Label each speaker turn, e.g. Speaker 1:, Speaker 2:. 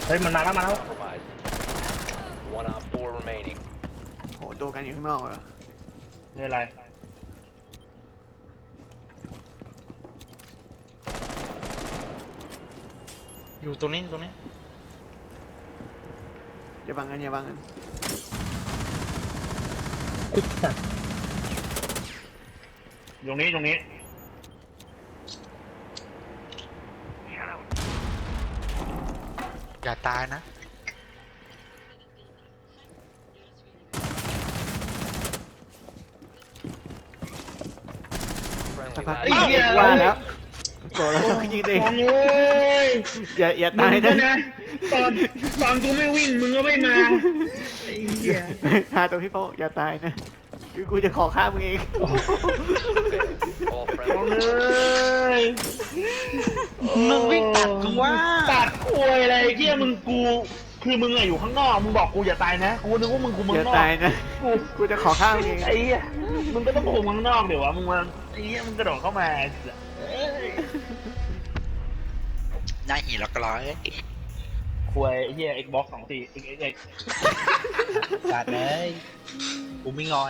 Speaker 1: เฮ้ยมันมาแล้วมาแล้ว
Speaker 2: Compromised. One on four remaining.
Speaker 3: โหดูกันอยู่ข้างนอกเหรอ
Speaker 1: ไม่เป็นไร
Speaker 4: อยู่ตรงนี้ตรงนี้
Speaker 3: อย่าบังกันอย่าบังกัน
Speaker 1: ตรงนี้ตรงนี้
Speaker 4: อย่าตายนะ
Speaker 3: สัก
Speaker 2: Friendly
Speaker 3: พัก
Speaker 2: last
Speaker 1: ไอ้เหี้ย
Speaker 3: ว่าแล้วโกรธแล้วยิงเอง
Speaker 1: ฟังเอ้ย
Speaker 3: อย่า
Speaker 1: มึ
Speaker 3: ตาง ย
Speaker 1: ก็
Speaker 3: นะ
Speaker 1: นะตอนกูไม่วิ่งมึงก็ไม่มาไอ้เหี้ย
Speaker 3: หาตัวพี่โป้อย่าตายนะคือกูจะขอฆ่ามึงเอง
Speaker 2: all
Speaker 1: ฟัง
Speaker 2: friendly.
Speaker 1: เอ้ย
Speaker 4: มึงวิ่งตัดกูว่า
Speaker 1: ตัดควยอะไรเหี้ยมึงกูคือมึงอะอยู่ข้างนอกมึงบอกกูอย่าตายนะกูนึกว่ามึงกูมึง
Speaker 3: อย่าน
Speaker 1: อก
Speaker 3: ตายนะกูจะขอฆ่ามึงเอง
Speaker 1: ไอ้เหี้ยมึงก็ต้องคุมข้างนอกเดี๋ยววะมึงมาไอ้เหี้ยมึงกระโดดเข้ามาเอ้ย
Speaker 4: หน้าหีแล้วก็ร้อย
Speaker 1: ควยไอ้เหี้ย Xbox 24 X
Speaker 4: ตัดเลยกูไม่งอน